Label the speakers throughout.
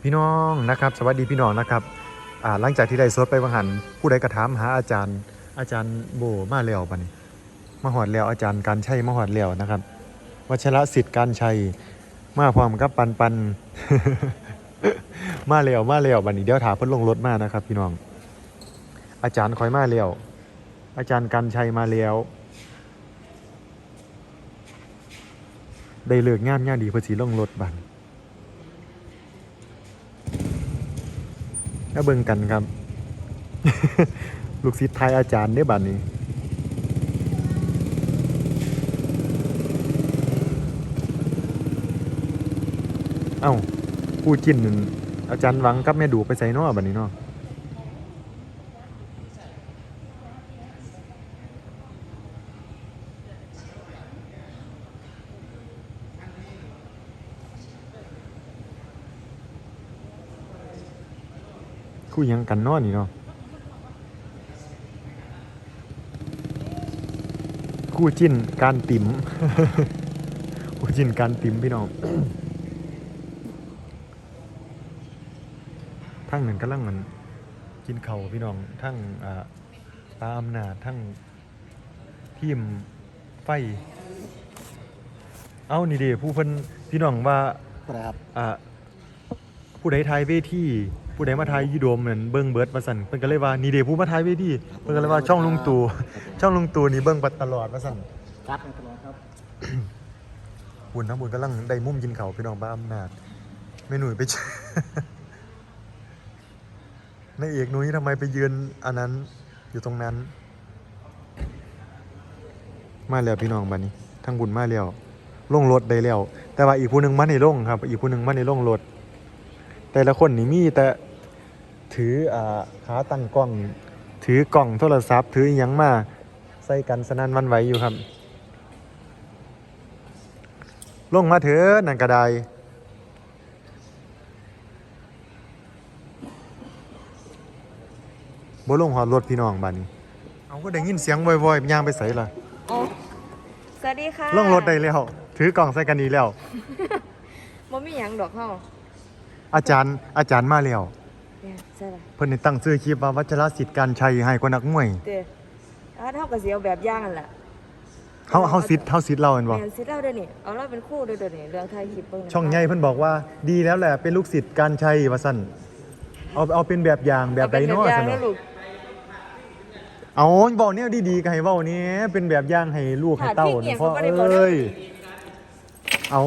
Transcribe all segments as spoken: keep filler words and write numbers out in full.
Speaker 1: พี่น้องนะครับสวัสดีพี่น้องนะครับอ่าหลังจากที่ได้สดไปวังหันผู้ใดกระถามหาอาจารย์อาจารย์โบมาแล้วบัดนี้มาหอดแล้วอาจารย์การชัยมาหอดแล้วนะครับวัชรศิษย์การชัยมาพร้อมกับปันปัน มาแล้วมาแล้วบัดนี้เดี๋ยวถามเพิ่นลงรถมานะครับพี่น้องอาจารย์คอยมาแล้วอาจารย์การชัยมาแล้วได้เลิกงานงานดีเพิ่นสิลงรถบัดก็เบิ่งกันครับ ลูกศิษย์ไทยอาจารย์ได้บัดนี้เอ้าผู้จิ้นนั่นอาจารย์หวังกับแม่ดูไปใส่น้อบัดนี้เนาะคู่ยังกันเนาะนี่เนาะคู่จิ้นการติ๋ม คู่จิ้นการติ๋มพี่น้อง ทั้งนั้นกำลังมันกินเข่าวพี่น้องทั้งอ่าตาอำนาจทั้งทีมไฟเอ้านี่เด้ผู้เพิ่นพี่น้องว่า
Speaker 2: ครับ
Speaker 1: อ่าผู้ใดทายเวทีผู้ใดมาทายยูโดมเหมือนเบิ้งเบิร์ดมาสั่นเพิ่นก็เลยว่านี่เด้ผู้มาทายเวทีเพิ่นก็เลยว่าช่องลุงตู่ ช่องลุงตู่นี่เบิ้งตลอดมาสั่น
Speaker 2: ครับตลอดครับ
Speaker 1: บุญทั้งบุญกำลังได้มุมกินเขาวพี่น้องบ้าอำนาจไม่หนุ่ยไปเจอ นายเอกหนุ่ยทำไมไปยืนอันนั้นอยู่ตรงนั้นมาแล้วพี่น้องบัดนี้ทั้งบุญมาแล้วลงรถได้แล้วแต่ว่าอีกผู้หนึงมาในลงครับอีกผู้หนึงมาในลงรถแต่ละคนนี่มีแต่ถืออ่าขาตั้งกล้องถือกล่องโทรศัพท์ถืออิหยังมาใส่กันสนั่นหวันไหวอยู่ครับลงมาเถอะนั่นก็ได้บ่ลงหอดรถพี่น้องบัดนี้เอาก็ได้ยินเสียงวอยๆย่างไปใส่ล่ะ
Speaker 3: โอ้สวัสดีค่ะ
Speaker 1: ลงรถได้แล้วถือกล่องใส่กันนี้แล้ว
Speaker 3: บ่มีหยังดอกเฮา
Speaker 1: อาจารย์อาจารย์มาแล้ว
Speaker 3: เนี่ยใช่ล่ะ
Speaker 1: เพิ่นได้ตั้งชื่อคลิปว่าวัชรศิษย์การชัยให้กว่านักมวย
Speaker 3: เด้อถ้าเฮาก็สิเอาแบบอย่างนั่นล่ะ
Speaker 1: เฮาเฮาศิษย์เฮาศิษย์เราแม่นบ่
Speaker 3: แม่นสิเราเด้อนี่เอาเราเป็นครูเด้อเด้อนี่เรื่องถ่ายคลิปเบิ่ง
Speaker 1: ช่องใหญ่เพิ่นบอกว่าดีแล้วแหละเป็นลูกศิษย์การชัยว่าซั่นเอาเอาเป็นแบบอย่างแบบใดเนาะ
Speaker 3: ซั่
Speaker 1: ซั่น
Speaker 3: น
Speaker 1: เนาะ
Speaker 3: ลูก
Speaker 1: เอาเว้าแนวดีๆก็ให้เว้าแหนี่เป็นแบบอย่างให้ลูกให้เต้าเนาะพ่อเอ้ยเอา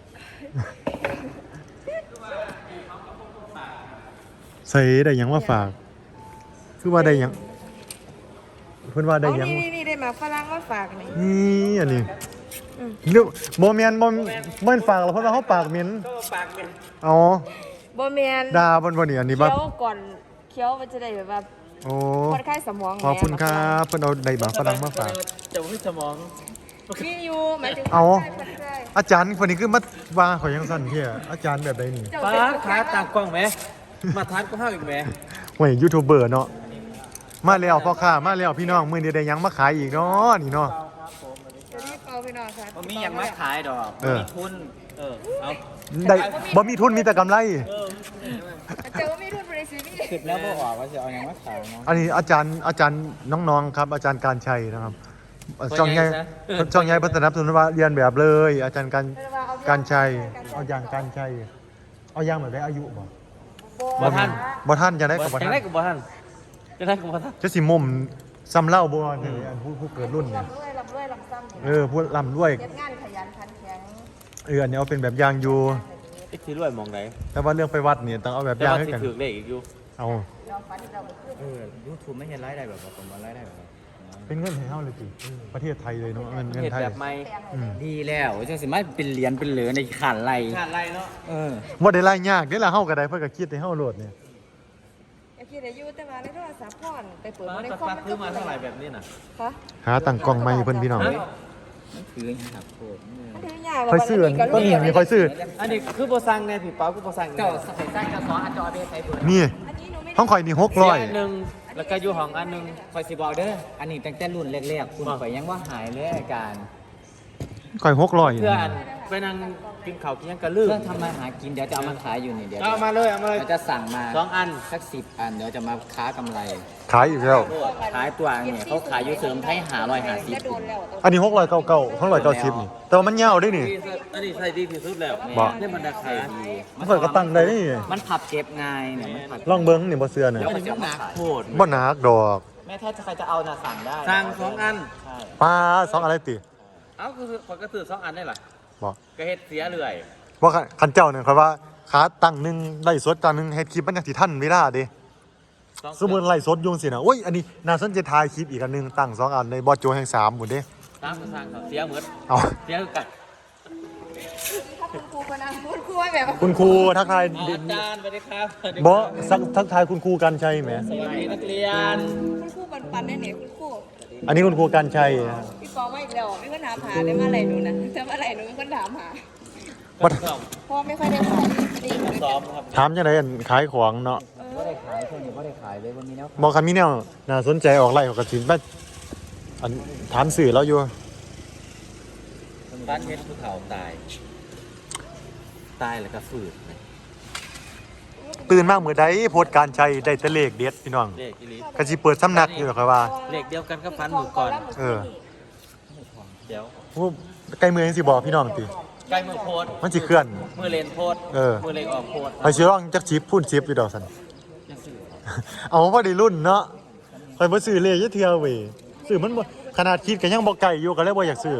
Speaker 1: ใส่ได้หยังมาฝากคือว่าได้หยังเพิ่นว่าได้
Speaker 3: เอา
Speaker 1: หยัง
Speaker 3: นี่ๆๆได้มาฝรั่งมาฝากนี่
Speaker 1: นี่อันนี้
Speaker 3: อืม
Speaker 1: เรียกบ่แม่นบ่บ่นฝากหรอกเพราะว่าเฮาปากเหม็น
Speaker 2: ก็ปากเป็น
Speaker 1: อ๋อ
Speaker 3: บ่แม่น
Speaker 1: ด่าบ่นบ่นี่อันนี้บ่
Speaker 3: เคี้ยวก่อนเคี้ยวมันจะได้แบบว่า
Speaker 1: โอ้
Speaker 3: ผ่อนคลายสมอง
Speaker 1: ขอบคุณครับเพิ่นเอาได้บาฝรั่งมาฝาก
Speaker 2: จะไม่สมอง
Speaker 3: มีอยู่หมายถึง
Speaker 1: เอา
Speaker 3: ผ่อนคลาย
Speaker 1: อาจารย์คนนี้คือมาว่าข่อยยังสั่นเที่ยอาจารย์แบบใดนี่
Speaker 3: เจ้า
Speaker 2: ฟ้า
Speaker 3: เป็น
Speaker 2: ขาต่างกล้องไหมมาทานก็ห้าวอีกไหม
Speaker 1: ห่วยยูทูบเบอร์เนาะมาแล้วพ่อค้ามาแล้วพี่น้องมื้อนี้ได้หยังมาขายอีกเนาะนี่เนาะ
Speaker 3: จะรีบเอาพี่น้องค่ะ
Speaker 2: มันมีอย่างมาขายดอก
Speaker 1: เออ
Speaker 2: มีทุน เออ เอา
Speaker 1: ได้บ่มีทุนมีแต่กำไร
Speaker 2: เออ
Speaker 3: เจ้ามีทุนบริษัทนี่
Speaker 2: คิดแล้วบ่ออกว่าจะเอาอย่างมาขายเนาะ
Speaker 1: อันนี้อาจารย์อาจารย์น้องๆครับ อาจารย์การชัยนะครับช่องใหญ่ช่องใหญ่พัฒนาสนุนว่าเรียนแบบเลย อาจารย์การการชัยเอาอย่างการชัยเอาอย่างแบบได้อายุบ่
Speaker 2: บ่ทัน
Speaker 1: บ่ท่านจะได้กับบ่
Speaker 2: จะ
Speaker 1: ท่าน
Speaker 2: ได้กับบ่ทันจะได้กับบ่ทัน
Speaker 1: จะสิมุมซ้ำเล่าบ่เนี่ยอันผู้ผู้เกิดรุ่นเนี่ย
Speaker 3: ลำด้วยลำด้วยลำซ้ำ
Speaker 1: เออผู้ลำด้วย
Speaker 3: เก็บงานขยันขันแข็ง
Speaker 1: เอออันนี้เอาเป็นแบบอย่างอยู่
Speaker 2: ไอ้ที่รวยมองไหน
Speaker 1: แต่ว่าเรื่องไปวัดเนี่ยต้องเอาแบบ
Speaker 2: แต่
Speaker 1: อย่าง
Speaker 2: ว่า
Speaker 1: ให้
Speaker 2: สิ
Speaker 1: กัน
Speaker 2: ถือเลขอีกอยู่
Speaker 1: เอา
Speaker 3: เราฝันเราไปขึ้น
Speaker 2: เออยูทูบไม่เห็นรายได้แบบว่าผมว่ารายได้แบบว่า
Speaker 1: เป็นเงินให้เฮาเลยสิประเทศไทยเลยเนาะเงินเงิน
Speaker 2: เห็น
Speaker 1: ไทย
Speaker 2: แบบไม่
Speaker 1: อืม
Speaker 2: ดีแล้วจังสิมาเป็นเหรียญเป็นเหลือในขาดไรขาดไรเนาะ เออ
Speaker 1: บ่ได้รายยากเด้ล่ะเฮาก็ได้เพิ่นก็คิดให้เฮาโหลดเนี่ย
Speaker 3: ไอ้คิดอายุแต่ว่าในโทรศัพท์พ่อนไปเปิด
Speaker 2: มา
Speaker 3: ใน
Speaker 2: สัก
Speaker 3: คอม
Speaker 2: พักซื้อมาเท่าไหร่แบบนี้น่ะ
Speaker 3: คะ
Speaker 1: หาตั้งกล้องใหม่เพิ่นพี่น้อง
Speaker 2: มันถืออย่างหักโคตร
Speaker 3: มันถือยาก
Speaker 1: ค่อยซื้ออันต้นนี้มีค่อยซื้อ
Speaker 2: อันนี้คือโบซังไงพี่เปาคือโบซังเจ้าใส่สร้างจะสอนอันจอเบสใส่เบิร์ด
Speaker 1: นี่
Speaker 3: อันนี้หนูไม่
Speaker 1: ห้องข่อยนี่หก
Speaker 2: เสี
Speaker 1: ร้
Speaker 2: ย
Speaker 1: อย
Speaker 2: อันหนึ่งแล้วก็อยู่ห้องอันหนึ่งคอยสิบอกเด้อ อันนี้ตั้งแต่รุ่นแรกๆคุณข่อยยังว่าหายเลยอาการ
Speaker 1: ข่อยหกร้อย
Speaker 2: เพื่ออันไปนั่งกินข้าวกินยังกระลืม
Speaker 4: เครื่องทำมาหากินเดี๋ยวจะเอามาขายอยู่นี่เดี๋ยว
Speaker 2: เอามาเลยเอามาเลย
Speaker 4: เราจะสั่งมา
Speaker 2: สองอัน
Speaker 4: สักสิบอันเดี๋ยวจะมาค้ากำไร
Speaker 1: ขายอีกแล้ว
Speaker 4: ขายตัวเนี่ยเขาขายอยู่เสริมไทยหาร้อยหาสิบ
Speaker 3: จะโดนแล้ว
Speaker 1: อันนี้หกร้อยเก้าเก้าหกร้อยเก้าสิบนี่แต่ว่ามันยาวด้วยนี่
Speaker 2: อันนี้ใส่ดีที่สุดแล้ว
Speaker 1: บ่
Speaker 2: นี่มันราคา
Speaker 1: มันเปิดกระตังได้นี่
Speaker 4: มันผับเก็บง่ายเนี่ยมันผับ
Speaker 1: ลองเบิ้งนี่บ่เสือเนี่ย
Speaker 2: อันนี้มันหนักโคตร
Speaker 1: บ่หนักดอก
Speaker 4: แม่ถ้าใครจะเอาน่ะสั่งได้
Speaker 2: สั่งสองอัน
Speaker 4: ใช่
Speaker 1: ปลาสองอะไรติ
Speaker 2: เอ้าคือขอยก็ซื้อสองอันได้หรอ
Speaker 1: บ่
Speaker 2: ก็เฮ็ดเสียเรื่อย
Speaker 1: ว่าคันเจ้าเนี่ยครับว่าขาตั้งหนึงไล่สดจานหนึงเฮ็ดคลิปมันจังสิทันเวลาเด้
Speaker 2: สอง
Speaker 1: สมมุติไล่สดอยุงสินะโอ้ยอันนี้น่าสนใจถ่ายคลิปอีกอันหนึงตั้งสองอันในบอสโจแห่งสามหมดเด้
Speaker 2: สามก็สั่งเขาเสียเหมือน
Speaker 1: เอา
Speaker 2: เสียคือกัน
Speaker 3: ถ้าคุณครูคนนั้นคุณครูแบบ
Speaker 1: คุณครูทักทาย
Speaker 2: อาจารย์สวัสดีครับ
Speaker 1: บอสักทักทายคุณครูกันชัยแหม
Speaker 2: สวัสดีนักเรียน
Speaker 3: คุณครูปันปันได้เนี่ยคุณครู
Speaker 1: อันนี้คุณครูกันชัย
Speaker 3: พี่ปอมาอีกแล้วมีคนถามหาได้เมื่อไหร่หนูนะแต่เมื่อไหร่หนูมีคนถามหา
Speaker 1: บ่
Speaker 3: เพราะไม่ค่อยได้ขายจริง
Speaker 2: ซ้อมครับ
Speaker 1: ถามจังไดอันขายของเนาะ
Speaker 4: ก็ได้ขายคนนี้ก็ได้ขายเลยวันนี้แล้ว
Speaker 1: บอกคันมีแนวน่าสนใจออกไล่ออกกระสินไปอันถามสื่อแล้วอยู่
Speaker 2: บ้านเฮ็ดภูเขาตาย ตายแล้วก็ฝืด
Speaker 1: ตื่นมากมื้อใดโพสต์การชัยได้แต่เลขเด็ดพี่น้อง
Speaker 2: เลขอีหลี
Speaker 1: ก็สิเปิดสำนักอยู่หรอกครับว่า
Speaker 2: เลขเดียวกันก็ฟันหมูก่อน
Speaker 1: เออ
Speaker 2: เดี๋ยว
Speaker 1: โอ้ใกล้มือจังสิบอกพี่น้องติ
Speaker 2: ใกล้มือโพสต์
Speaker 1: มันสิเคลื่อน
Speaker 2: มือเลนโพสต์
Speaker 1: เออ
Speaker 2: มือเลนออกโพสต์
Speaker 1: ไปสิร้องจักชิปพูนชิปอยู่ดอกสัน
Speaker 2: ยังสื่อ
Speaker 1: เอาพอดีรุ่นเนาะคอยบ่ซื้อเลยยะเทื่อเว้ยซื้อมันบ่ขนาดคิดก็ยังบ่ไกลอยู่ก็เลยบ่อยากซื้อ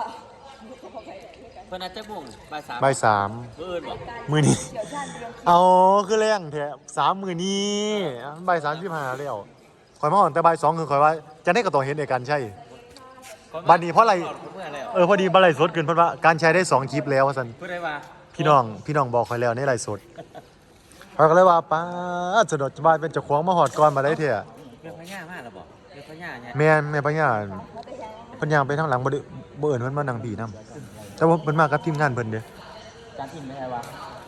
Speaker 2: เพิ่นอาจจะมุ่งบ่ายสาม
Speaker 1: บ่ายสาม
Speaker 2: เพิ่นบอก
Speaker 1: มื้อนี้ เอาคือแรงแท้สามมื้อนี้บ่ายสามสิบห้าแล้วข่อยมาอ่อนแต่บ่ายสองคือข่อยว่าจะได้ก็ต้องเห็นเอกกันใช่ บัดนี้เพราะอะไร
Speaker 2: เมื่อแล้ว
Speaker 1: เออพอดีบ่ไลฟ์สดขึ้นเพิ่นว่าการใช้ได้สองคลิปแล้วว่าซั่น
Speaker 2: เพื่อได้ว่า
Speaker 1: พี่น้องพี่น้องบอกข่อยแล้วในไลฟ์สดข่อยก็เลยว่าป้าดสะดดสบายเป็นเจ้าของมาฮอดก่อนมาได้เถอะ
Speaker 2: เรื่องพญามากแล้วบอกเรื่องพญาเนี่ย
Speaker 1: แม่นแม่ปัญญาเพิ่นย่างไปทางหลังบ่ได้บ่เอิ้นเพิ่นมานั่งพี่นํแต่ว่าเพิ่นมากับทีมงานเพิ่นเด้
Speaker 4: จานอิงไม่ใช่วะ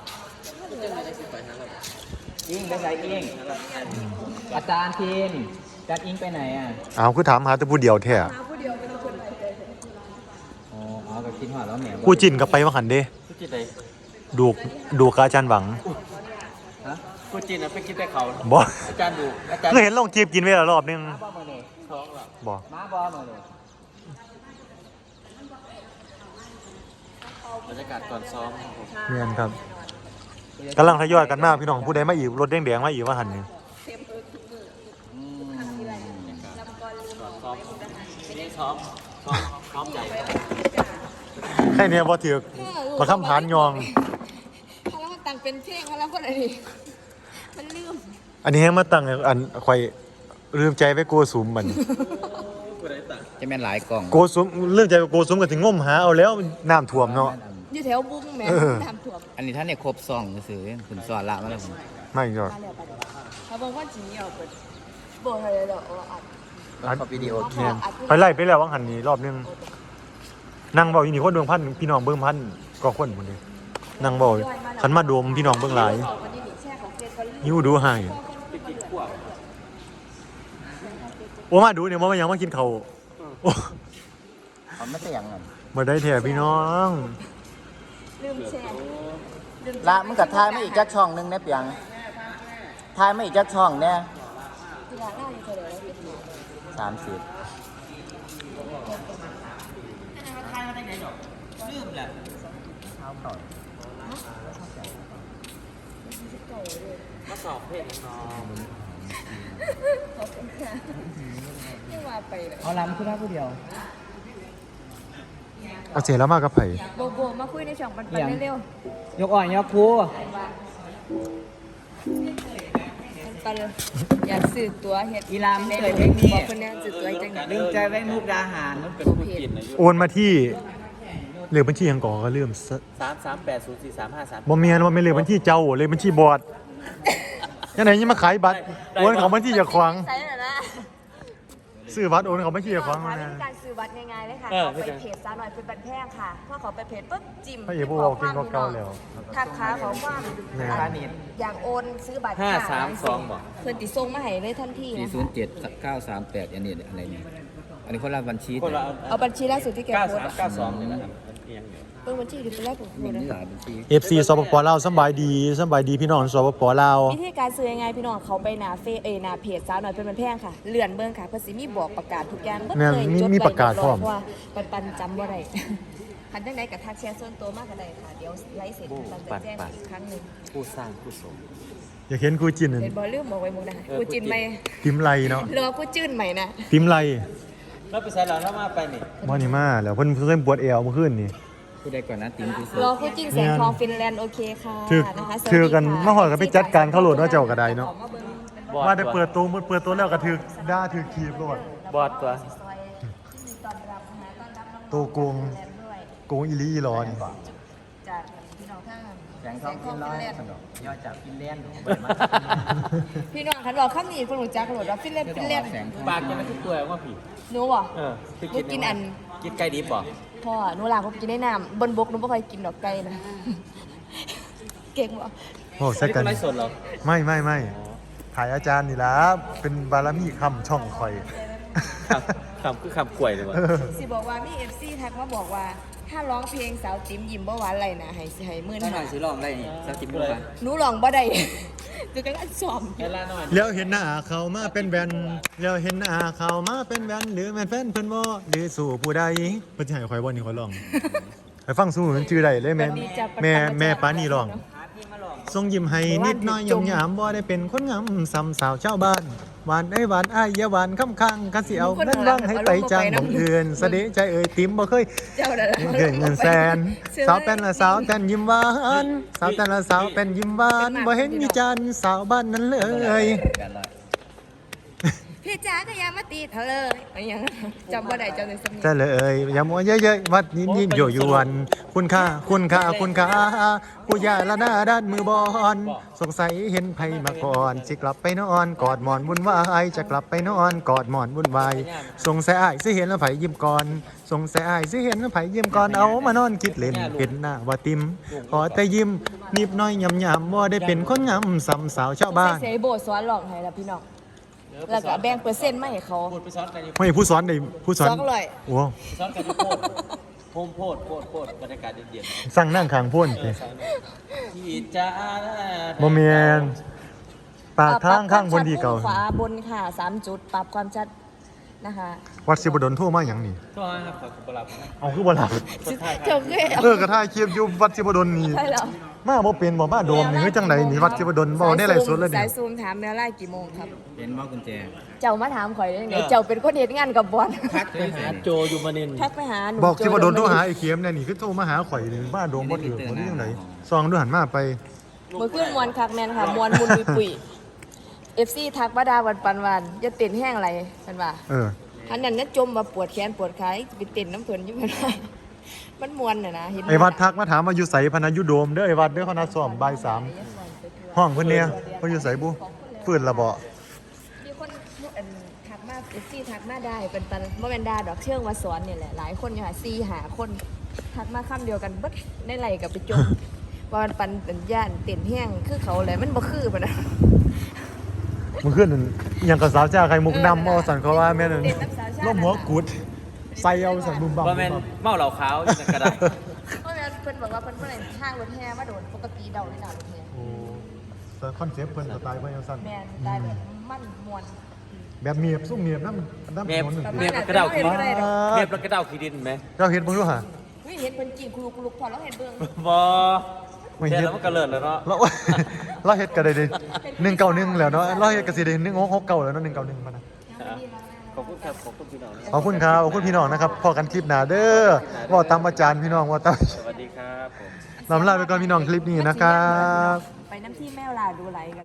Speaker 4: อิงไปใส่อิงอาจารย์ทีมจานอิงไปไหนอ่ะ
Speaker 1: อ้าวคือถามหาแต่ผู้เดียวแท้
Speaker 3: หาผู้เดียวเป็นคนไหนเลย
Speaker 4: อ๋ออ๋อก็คิดว่าแล้วแหม
Speaker 1: ผู้จินก็ไปว่าหันเด้
Speaker 2: กูจินไหน
Speaker 1: ดูกดูกบอาจารย์หวัง
Speaker 4: ฮะ
Speaker 2: กูจินอ่ะไปกินแต่เขา
Speaker 1: บ่
Speaker 2: อาจารย์ดูอาจารย์
Speaker 1: เคยเห็นลงจีบกินไว้แล้วรอบนึง
Speaker 4: มาบอมาเลย
Speaker 2: ท้องหรอ
Speaker 1: บ่
Speaker 4: มาบอมาเลย
Speaker 2: บรรยากาศก่อนซ้อมครับผม
Speaker 1: แม่นครับกำลังทยอยกันมาพี่น้องผู้ใดมาอีกรถแดงๆมาอีกว่าหันนี่
Speaker 4: อืม
Speaker 2: ก่อนซ้อมไม่ได้ซ้อมซ้อมซ้อมใหญ่
Speaker 1: แค่เนี้ยบ่ถือกมาค้ำผานยอง
Speaker 3: พลังมันต่างเป็นเพลงพลังคนอะไรมันลืม
Speaker 1: อันนี้ให้มาตั้งอันข่อยลืมใจไปโกสุมมัน
Speaker 2: กูได้ตัง
Speaker 4: จะแม่นหลายกล่อง
Speaker 1: โกสุมเรื่องใจไปโกสุมก็ถึงงมหาเอาแล้วน้ำท่วมเนาะ
Speaker 3: อยู่แถวบุ้งแม่
Speaker 1: เออ
Speaker 3: น้ำท่วม
Speaker 4: อันนี้ท่านเนี่ยครบซองซื้อๆคุณสอนละมาแล้วผม
Speaker 1: ไม่ก็
Speaker 3: มาแล้วไปแล้วเขาบอกว่าจีเอาไปบอกอะไรหรอกอัด
Speaker 4: แล้วก็วิดีโอคลิ
Speaker 1: แม่
Speaker 4: ป
Speaker 1: นไปไล่ไปแล้ววังหันนี้รอบนึงนั่งเบาอีนี่คนดวงพันพี่น้องเบิ่งพันก็คนพุ่นเด้นั่งเบาคันมาดมพี่น้องเบิ่งหลาย
Speaker 3: วันนี้หนิแช่ของเจนเขาลืม
Speaker 1: หิวดูให้โอ้มาดูเนี่ยว่ามันยังมากินข้าวโอ้
Speaker 4: เขาไม่แต่ยังไง
Speaker 1: มาได้แท้พี่น้อง
Speaker 3: ลืมแช่ลืม
Speaker 4: ละมึงกับทายไม่อีกจักช่องหนึงเนี่ยเปียงทายไม่อีกจักช่องเนี่ย
Speaker 3: กีฬาหน้าอยู่เฉยๆเป็นหนู
Speaker 4: สามสิบ
Speaker 2: ลืมแหละ
Speaker 4: เท้าเข่า
Speaker 2: มาสอบเพศน้อง
Speaker 3: ขอบคุณค่ะนี่ว่าไปเลย
Speaker 4: เอาล้ำขึ้นได้ผู้เดียว
Speaker 1: เอาเสียแล้วมากับไผ
Speaker 3: โบโบมาคุยในช่องปันปันเร็วย
Speaker 4: กอ่อนยกคู
Speaker 3: ๆปันปันอยากสื่อตัวเห็ด
Speaker 4: อีลามเคยเพลงนี้
Speaker 3: บอกคนนี้สื่อตัวจัง
Speaker 4: ลืมใจไว้มุกดาหาร
Speaker 2: มันเป็นผู้กินอายุ
Speaker 1: โอนมาที่เลขบัญชีหยังก่อก็ลืมซะ
Speaker 2: สามสามแปดศูนย์สี่สามห้าสาม
Speaker 1: บ่แม่นว่าไม่นเลขบัญชีเจ้าเลขบัญชีบอดยังไงยังมาขายบัตรโอนเขาบัญชีอย่าขวาง
Speaker 3: ใช่เหรอนะ
Speaker 1: ซื้อบัตรโอนเขาบัญชีอย่าขวาง
Speaker 3: ทำ
Speaker 1: นะ
Speaker 3: วิธีการซื้อบัตรง่ายๆเลยค่ะเขาไปเพจซาหน่อยเป็นบัตรแพงค่ะพอเขาไปเพจปุ๊บจิ้ม
Speaker 1: พระเอกผู้บอกกินก็เก่าแล้ว
Speaker 3: ทักค้าเขาว่า
Speaker 1: แม่
Speaker 3: อยากโอนซื้อบัตร
Speaker 2: ห้าสามสองบอก
Speaker 3: เพื่อนติส่งมาให้เลยทันที
Speaker 4: สี่
Speaker 3: นะ
Speaker 4: ศูนย์เจ็ดเก้าสามแปดอันนี้อะไรเนี่ยอันนี้คนละบัญชี
Speaker 2: คนละ
Speaker 3: เอาบัญชีล่าสุดที่แก
Speaker 2: เก้า
Speaker 3: โพส
Speaker 2: สาม
Speaker 3: ต์
Speaker 2: เก้าสองเนี่ยนะครับมันเอียงอยู่
Speaker 3: เอบัญชีดิเป็นแรกของคุณนะ
Speaker 1: เอฟซีสปปลาวสำบายดีสำบายดีพี่น้องสปปลาว
Speaker 3: วิธีการซื้อยังไงพี่น้องเขาไปหนาเฟซเอยหนาเพจสาวหน่อยเป็นมันแพงค่ะเลื่อนเบิ่งค่ะเพิ่นสิมีบอกประกาศทุกอย่างเบิด
Speaker 1: แม่น
Speaker 3: เลย
Speaker 1: มี
Speaker 3: จด
Speaker 1: มี
Speaker 3: ไว้
Speaker 1: ประกาศพร้อม
Speaker 3: เยบยเพาะว่าปันปันจำบ่ได้ คันจังได๋ก็ทักแชร์ส่วนตัวมากก็ได้ค่ะเดี๋ยวไลฟ์เสร็จปันจะแจ้งอีกครั้งหนึง
Speaker 2: ผู้สร้างผู้สม
Speaker 1: อยากเห็นครูจินนั่น
Speaker 3: เห็นบ่ลืมบอกไว้หมึงนะ
Speaker 2: เออ
Speaker 3: กูจินไหม
Speaker 1: ติมไลเนาะ
Speaker 3: รอกูจื้นใหม่นะ
Speaker 1: ติมไล
Speaker 2: แล้วไปใส่หลานแล้วมาไปนี่
Speaker 1: บ่นี่มาแล้วเพิ่นเพิ่นปวดเอวเมื่อคืนนี่
Speaker 4: ผู้ใดก่อนนะติมกู
Speaker 3: รอกูจินแสงทองฟินแลนด์โอเคค่ะ
Speaker 1: ถือ
Speaker 3: นะคะสวัสดี
Speaker 1: ถือกัน
Speaker 3: ค่ะ
Speaker 1: มาหอดกันไปจัดการเข้าโหลดว่าเจ้าก็ได้เนาะ
Speaker 3: ขอมาเบิ่งเป็น
Speaker 2: บอด
Speaker 1: ว่าได้เปิดตัวเปิดตัวแล้วก็ถือด่าถือคีบโลด
Speaker 2: บอดตัว
Speaker 3: ซอยที่มีต้อนรับนะคะต้อนรับน้องๆ
Speaker 1: ตัวโกง
Speaker 3: ฟินแลนด์ด้วย
Speaker 1: โกงอีหลีอีหลอนี่
Speaker 3: จากพี่น้องท่าน
Speaker 4: แสงทองกินร้อยสนุกย่อจากกินเล่น
Speaker 3: พี่น้องคันบอกข้ามนี้คนรู้จักโหลดว่าฟินแลนด์ฟินแลนด์
Speaker 4: แสงทอง
Speaker 2: ปากจะไม่ทุกตัวว่าผี
Speaker 3: หนูบ่
Speaker 2: เออ
Speaker 3: หนูกินอัน
Speaker 2: กินไก่ดิบบ่
Speaker 3: พ่อหนูหลานผมกินได้น้ำบนบกหนูไม่ค่อยกินดอกไก่นะ เก่งบ่
Speaker 1: โอ้ใส่กัน
Speaker 2: ไม่สดหรอ
Speaker 1: ไม่ไม่ไม่ถ่ายอาจารย์นี่ล่ะเป็นบารมีคำช่องคอย
Speaker 2: คำคำคือคำกล้วยเลยว่ะ
Speaker 3: สิบอกว่ามีเอฟซีทักมาบอกว่า ถ้าร้องเพลงสาวติ๋มยิ้มบ่หวานไรนะให้สิให้มื่น
Speaker 4: ถ้าหน่
Speaker 3: หา
Speaker 4: อยสิลองได้นี่สักติมบุก
Speaker 3: หนูร้องบ่ได้ จะกันสอบ
Speaker 2: เวลาหน่อย
Speaker 1: แล้วเห็นหน้าเขามาเป็นแบนแล้วเห็นหน้าเขามาเป็นแบนหรือแม่นแฟนเพิ่นบ่หรือสู่ผู้ใดเพิ่นสิให้ข่อยบ่นี่ข่อยร้องไปฟังสู่มันชื่อใดเลยแม่นแม่แม่ปานี่ร้องทรงยิ้มให้นิดหน้อยยมยามบ่ได้เป็นคนงามซ้ำสาวชาวบ้านหวานเอ้ยหวานอ้ายอย่าหวานคำค้างคันสิเอาเงินวางให้ไปจ้างของอื่นสะเดะใจเอ่ยติ๋มบ่เคย
Speaker 3: เจ้านั่นล่ะ
Speaker 1: เงินเงินแสนสาวเป็นละสาวแต่นยิ้มหวานสาวแต่ละสาวเป็นยิ้มหวานบ่เห็นมีจันทร์สาวบ้านนั้นเลย
Speaker 4: แปดร้อย
Speaker 3: พี่จ๋าก็อย่ามาตีเธอเลยอะไรอย่างนั้นจำบ่ได้จำในสำเนียง
Speaker 1: จะเลยอย่ามัวเยอะๆวัดยิ้มยิ้มโยยวน คุณค่าคุณค่าคุณค่าผู้ยาละหน้าด้านมือบอลสงสัยเห็นไผมาก่อนสิกลับไปนอนกอดหมอนวุ่นวายจะกลับไปนอนกอดหมอนวุ่นวายสงสัยอ้ายสิเห็นแล้วไผยิ้มก่อนสงสัยอ้ายสิเห็นแล้วไผยิ้มก่อนเอามานอนคิดเล่นเป็นหน้าว่าติมขอแต่ยิ้มนิบน้อยยำยำว่าได้เป็นคนงามสำสาวชาวบ้าน
Speaker 3: ใส่โบสอนหลอกให้ละพี่น้องแล้วก็แบ่งเปอร์เซ็นต์มาให้เขา
Speaker 2: พูดไปซ้อนกันอยู่
Speaker 1: ไม่ผู้สอนได้ผู้สอน
Speaker 3: สองร้อย
Speaker 1: โอ้
Speaker 2: ซ้อนกันอยู่โพดโพมโพดโพดโพดบรรยากาศเย็น
Speaker 1: สั่งนั่งข้างพ่น
Speaker 2: ๆ
Speaker 1: สิ
Speaker 2: ที่จ้า
Speaker 1: บ่แม่นปากทางข้างบนดีเก่า
Speaker 3: ปรับความชัดมุมขวาบนค่ะสามจุดปรับความชัดนะคะ
Speaker 1: วัดสิบดลโทรมาอย่างนี้
Speaker 2: ก็ครับขอบคุณรับ
Speaker 1: เอาคือบ่หลับ
Speaker 3: เจ้าเคย
Speaker 1: เออกระทายเคียบอยู่วัดสิบดลนี่
Speaker 3: ใช่เหรอ
Speaker 1: มาบ่เป็นบ่มาโดมนี่คือจังไดนี่วัดสิบดลบ่ได้ไลฟ์สดเลย
Speaker 3: สา
Speaker 1: นี่
Speaker 3: ยซูมถามแมวไล่กี่โมงครับ
Speaker 4: เห็นบ่กุญแจ
Speaker 3: เจ้ามาถามข่อยได้ยังไงเจ้าเป็นคนเฮ็ดงานกับบอล
Speaker 2: ทักไปหาโจยูมานิน
Speaker 3: ทักไปหาหนู
Speaker 1: บอกสิบดลโทรหา
Speaker 3: โจ
Speaker 1: ไอ้เข็มเนี่ยนี่คือโทรมาหาข่อยนี่มาโดมบ่ถือบ่ได้จังไดซองดูหันมาไป
Speaker 3: มือขึ้นมวนคักแมนค่ะมวนมุนปุยปุยเอฟซีทักมาดาวันปันวันอย่าเต้นแห้งอะไรกันว่า
Speaker 1: เออ
Speaker 3: อันนั้นน่ะจมมาปวดแขนปวดขาไปเต้นน้ำเพิ่นอยู่มันว่ามันมวนน่ะนะเห็น
Speaker 1: ไอ้วัดทักมาถามว่าอยู่ไสพะนะอยู่โดมเด้อไอ้วัดเด้อเขานัดซ้อมบ่ายสามห้องเพิ่นเนี่ยเพิ่นอยู่ไสบุฟื้นละบ่
Speaker 3: มีคนอันทักมาเอฟซีทักมาได้เป็นปันบ่แม่นดาดอกเชิงว่าสอนนี่แหละหลายคนอยู่ค่ะสี่หาคนทักมาคำเดียวกันเบิดในไหลกับไปจม ว่ามันปันเป็นย่านเต้นแห้งคือเขาเลยมันบ่คือปะนะ
Speaker 1: มันขึ้นนั่นอิหยังกับสาวจ้าไข่มุกดำเอาสั่นเขาว่าแม่นั่น
Speaker 3: เต้นน้ำสาวชาติ
Speaker 1: ล้มหัวกุดใส่เอาสั่นบุมบัม
Speaker 2: ว่าแมนเมาเหล่าขาวอยู่ในกระดาษ
Speaker 3: เพราะงั้นเพิ่นบอกว่าเพิ่นเพิ่นห้างรถแห่มาโดนปกติเดาเลยนะรถแห่
Speaker 1: โอ้แต่คอนเซ็ปต์เพิ่นสไตล์เพิ่นจังซั่น
Speaker 3: แม่นได้แบบมันมวน
Speaker 1: แบบเมียบซุ่มเมียบน้ำน้ำ
Speaker 2: เม
Speaker 1: ถ
Speaker 2: ฟ
Speaker 1: นนนึง
Speaker 2: เมฟกระเดาขี้ดินเมฟกระเดาขี้ดินไหม
Speaker 1: เราเห็นบ้างด้วยฮะ
Speaker 3: เฮ้ยเห็นเพิ่นจริงคุลุกคุลุกพอแล้วเห็นเบิ่ง
Speaker 2: บอ
Speaker 1: ไม่
Speaker 2: เห็น
Speaker 1: เห็น
Speaker 2: แล้วมันกระเลิดแล้วเนาะ
Speaker 1: เรา เราเห็ดกันได้เลยหนึ่งเก้าหนึ่งแล้วเนาะเราเห็ดกันสิได้หนึ่งหกหกเก้าแล้วเนาะหนึ่งเก้าหนึ่งมานะ
Speaker 2: ขอบคุณครับขอบคุณพี่น้อง
Speaker 1: ขอบคุณครับขอบคุณพี่น้องนะครับพอกันคลิปหน้าเด้อว่าตามอาจารย์พี่น้องว่าตาม
Speaker 2: สวัสดีครับผม
Speaker 1: ลำลาไปก่อนพี่น้องคลิปนี้นะครับ
Speaker 3: ไปน้ำที่แม่วลาดูไหลกัน